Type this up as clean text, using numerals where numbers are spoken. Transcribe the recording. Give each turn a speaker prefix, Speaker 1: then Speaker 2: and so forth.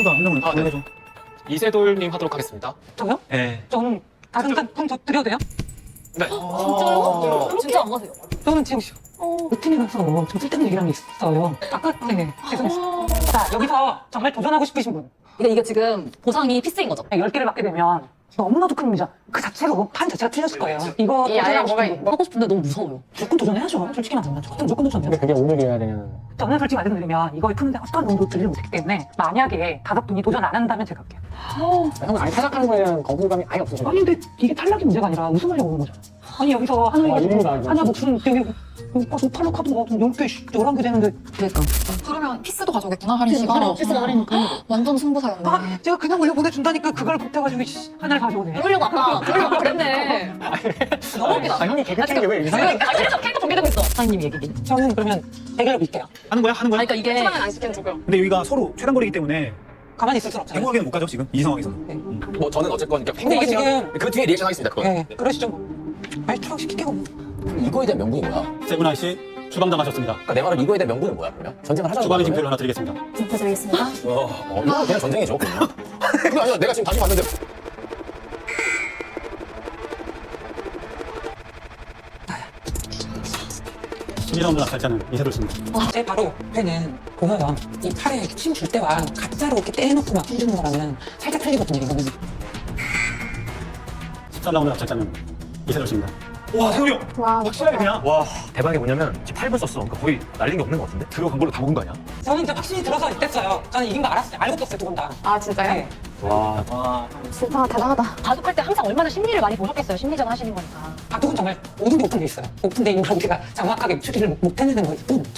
Speaker 1: 친구가 한 명은
Speaker 2: 아, 네.
Speaker 1: 해줘.
Speaker 2: 이세돌님 하도록 하겠습니다.
Speaker 3: 저요?
Speaker 1: 네.
Speaker 3: 저는 다른 저 드려도 돼요?
Speaker 2: 네.
Speaker 4: 진짜요? 진짜 안 가세요?
Speaker 3: 저는 지금 루틴이라서 좀 쓸데없는 얘기랑 있어요. 아까 네, 죄송해요. 자, 여기서 정말 도전하고 싶으신 분.
Speaker 4: 이게 지금 보상이 피스인 거죠?
Speaker 3: 10개를 받게 되면 너무나도 큰 의미죠. 그 자체로 판 자체가 틀렸을 거예요. 이거
Speaker 4: 이 안에
Speaker 3: 도전하고
Speaker 4: 뭐가
Speaker 3: 싶은 분.
Speaker 4: 하고 싶은데 너무 무서워요.
Speaker 3: 무조건 도전해야죠. 솔직히 말하면. 저는 무조건 도전해요.
Speaker 1: 그게 500이어야 되는.
Speaker 3: 저는 솔직히 말씀드리면 이걸 푸는데 어떤 돈도 들지 못했기 때문에 만약에 5분이 도전 안 한다면 제가 할게요.
Speaker 1: 형은 아예 탈락하는 거에 대한 거부감이 아예 없으신
Speaker 3: 아니 근데 이게 탈락이 문제가 아니라 우승하려고 오는 거죠. 아니 여기서 하나 무슨 여기 탈락하도 뭐 10개, 11개 되는데
Speaker 4: 그러니까.
Speaker 5: 그러면 피스도 가져오겠구나 할인 씨가.
Speaker 4: 피스가 할인이니까.
Speaker 5: 완전 승부사였네.
Speaker 3: 아 제가 그냥 원래 보내준다니까 그걸 못해가지고 하나를 가져오네.
Speaker 4: 그러려고 아까 그랬네. 너무 웃기다.
Speaker 1: 아, 형이 개그 치는 게 왜 이상해?
Speaker 4: 그래서 캐릭터 준비되고 있어. 사장님 얘기.
Speaker 3: 저는 그러면 대결로 밀게요.
Speaker 1: 하는 거야? 하는 거야?
Speaker 4: 그러니까 이게
Speaker 5: 초반은 안 시키는 거고요.
Speaker 1: 근데 여기가 서로 최단거리기 때문에
Speaker 3: 가만히 있을 순 없잖아요.
Speaker 1: 행복하게는 못 가죠, 지금? 이 상황에서.
Speaker 2: 뭐 저는 어쨌건 그러니까
Speaker 3: 근데 이게
Speaker 2: 행복하시면
Speaker 3: 지금
Speaker 2: 그 뒤에 리액션 하겠습니다. 그거.
Speaker 3: 네, 그러시죠. 말투랑 시킬게요.
Speaker 2: 이거에 대한 명분이 뭐야?
Speaker 1: 세분아 씨, 주방당하셨습니다.
Speaker 2: 그러니까 내 말은 이거에 대한 명분은 뭐야? 그러면 전쟁을 하자는
Speaker 1: 주방의
Speaker 2: 거야,
Speaker 1: 징표를 하나 드리겠습니다.
Speaker 5: 진짜 드리겠습니다.
Speaker 2: 이거 그냥 전쟁이죠. 그러면. 그게 아니라 내가 지금 다시 봤는데
Speaker 1: 12라운드 낙찰자는 이세돌 씨입니다.
Speaker 3: 제 바로 옆에는 보면 이 팔에 이렇게 침 줄 때와 가짜로 이렇게 떼놓고 막 힘주는 거랑은 살짝 틀리거든요. 이거는
Speaker 1: 13라운드 낙찰자는 이세돌 씨입니다. 와, 세돌이 형!
Speaker 5: 와,
Speaker 1: 확실하게 그냥.
Speaker 6: 와 대박이 뭐냐면 지금 8분 썼어. 그러니까 거의 날린 게 없는 것 같은데?
Speaker 1: 들어간 걸로 다 먹은 거 아니야?
Speaker 3: 저는 이제 확신이 들어서 이랬어요. 저는 이긴 거 알았어요. 알고 떴어요, 두 분 다.
Speaker 5: 아 진짜요?
Speaker 3: 네.
Speaker 1: 와.
Speaker 5: 진짜 대단하다.
Speaker 4: 바둑할 때 항상 얼마나 심리를 많이 보셨겠어요. 심리전 하시는 거니까.
Speaker 3: 바둑은 정말 모든 게 오픈돼 있어요. 오픈돼 있는 걸 우리가 정확하게 추리를 못 해내는 거일 뿐.